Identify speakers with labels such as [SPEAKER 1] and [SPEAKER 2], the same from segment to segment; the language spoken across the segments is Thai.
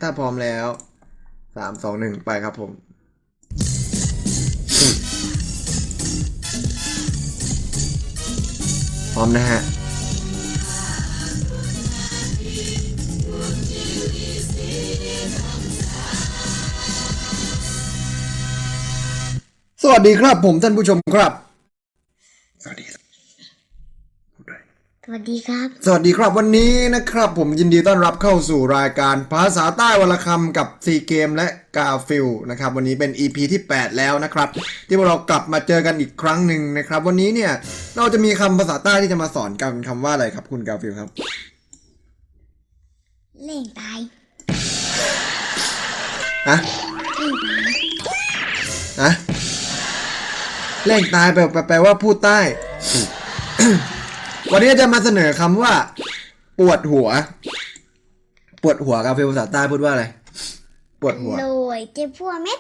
[SPEAKER 1] ถ้าพร้อมแล้ว3 2 1ไปครับผมพร้อมนะฮะสวัสดีครับผมท่านผู้ชมครับสวัสดีครับ
[SPEAKER 2] สวัสดีครับ
[SPEAKER 1] สวัสดีครับวันนี้นะครับผมยินดีต้อนรับเข้าสู่รายการภาษาใต้วรรณคำกับซีเกมและกาฟิลนะครับวันนี้เป็น EP ที่8แล้วนะครับที่พวกเรากลับมาเจอกันอีกครั้งหนึ่งนะครับวันนี้เนี่ยเราจะมีคำภาษาใต้ที่จะมาสอนกันคำว่าอะไรครับคุณกาฟิลครับ
[SPEAKER 2] เล่งตาย
[SPEAKER 1] ฮะฮะแรงตายแปลว่าพูดใต้ วันนี้จะมาเสนอคำว่าปวดหัวกาฟิลภาษาใต้พูดว่าอะไรปวดหัว
[SPEAKER 2] โรยเจ็บพัวเม็ด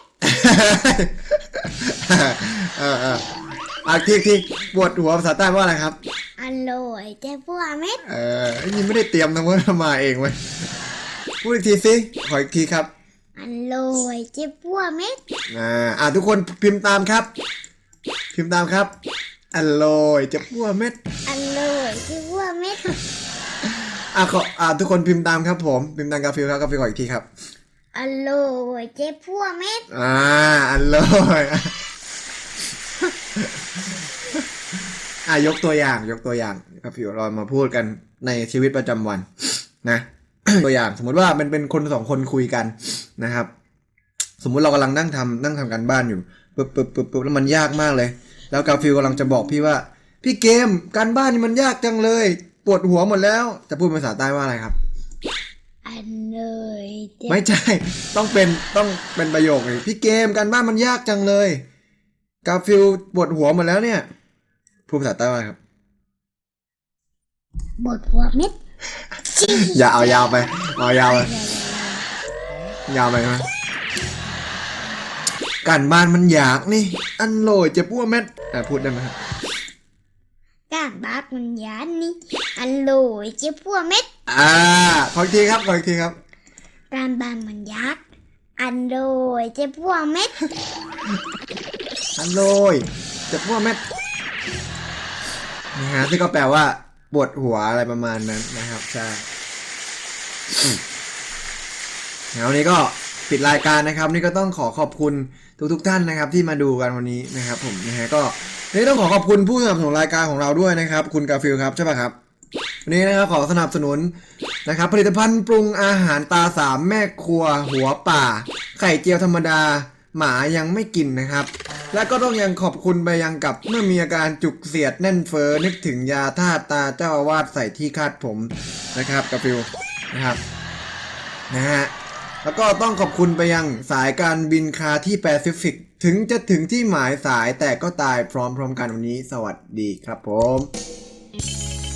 [SPEAKER 1] ที่ปวดหัวภาษาใต้ว่าอะไรครับ
[SPEAKER 2] อร่อยเจ็บพัวเม็ด
[SPEAKER 1] นี่ไม่ได้เตรียมนะว่ามาเองเว้ยพูดอีกทีสิขออีกทีครับ
[SPEAKER 2] อร่อยเจ็บพัวเม็ด
[SPEAKER 1] ทุกคนพิมพ์ตามครับอร่อยเจ็บพัวเม็ด
[SPEAKER 2] อร่อยเจ็บพัวเม็ด
[SPEAKER 1] ทุกคนพิมพ์ตามครับผมพิมพ์ตามกาฟิลครับกาฟิลขออีกทีครับ
[SPEAKER 2] อร่อยเจ็บพัวเม็ด
[SPEAKER 1] อร่อยยกตัวอย่างกาฟิลเรามาพูดกันในชีวิตประจำวันนะ ตัวอย่างสมมติว่าเป็นคน2 คนคุยกันนะครับสมมุติเรากำลังนั่งทำการบ้านอยู่ปึ๊บแล้วมันยากมากเลยแล้วกาฟิลกำลังจะบอกพี่ว่าพี่เกมการบ้านนี่มันยากจังเลยปวดหัวหมดแล้วจะพูดภาษาใต้ว่าอะไรครับ
[SPEAKER 2] อร่อย
[SPEAKER 1] ไม่ใช่ต้องเป็นประโยคเลยพี่เกมการบ้านมันยากจังเลยกาฟิลปวดหัวหมดแล้วเนี่ยพูดภาษาใต้ว่าครับ
[SPEAKER 2] ปวดหัวเม็ด
[SPEAKER 1] อย่าเอายาวไปยาวไปไหมการบ้านมันยากนี่อันโหลยเจ็บปวดเม็ดพูดได้ไหมครับ
[SPEAKER 2] การบ้านมันยากนี่อร่อยเจ็บพัวเม็ด
[SPEAKER 1] ขออีกทีครับ
[SPEAKER 2] การบ้านมันยากอร่อยเจ็บพัวเม็ด
[SPEAKER 1] อันโหลยเจ็บปวดเม็ดนะฮะที่ก็แปลว่าปวดหัวอะไรประมาณนั้นนะครับใช่แล้วนี้ก็ปิดรายการนะครับนี่ก็ต้องขอบคุณทุกท่านนะครับที่มาดูกันวันนี้นะครับผมนะฮะก็นี่ต้องขอบคุณผู้สนับสนุนรายการของเราด้วยนะครับคุณกาฟิลครับใช่ป่ะครับวันนี้นะครับขอสนับสนุนนะครับผลิตภัณฑ์ปรุงอาหารตา3แม่ครัวหัวป่าไข่เจียวธรรมดาหมายังไม่กินนะครับและก็ต้องยังขอบคุณไปยังกับเมื่อมีอาการจุกเสียดแน่นเฟ้อนึกถึงยาธาตุตาเจ้าอาวาสใส่ที่คาดผมนะครับกาฟิลนะครับนะฮะแล้วก็ต้องขอบคุณไปยังสายการบินคาที่แปซิฟิกถึงจะถึงที่หมายสายแต่ก็ตายพร้อมๆกันวันนี้สวัสดีครับผม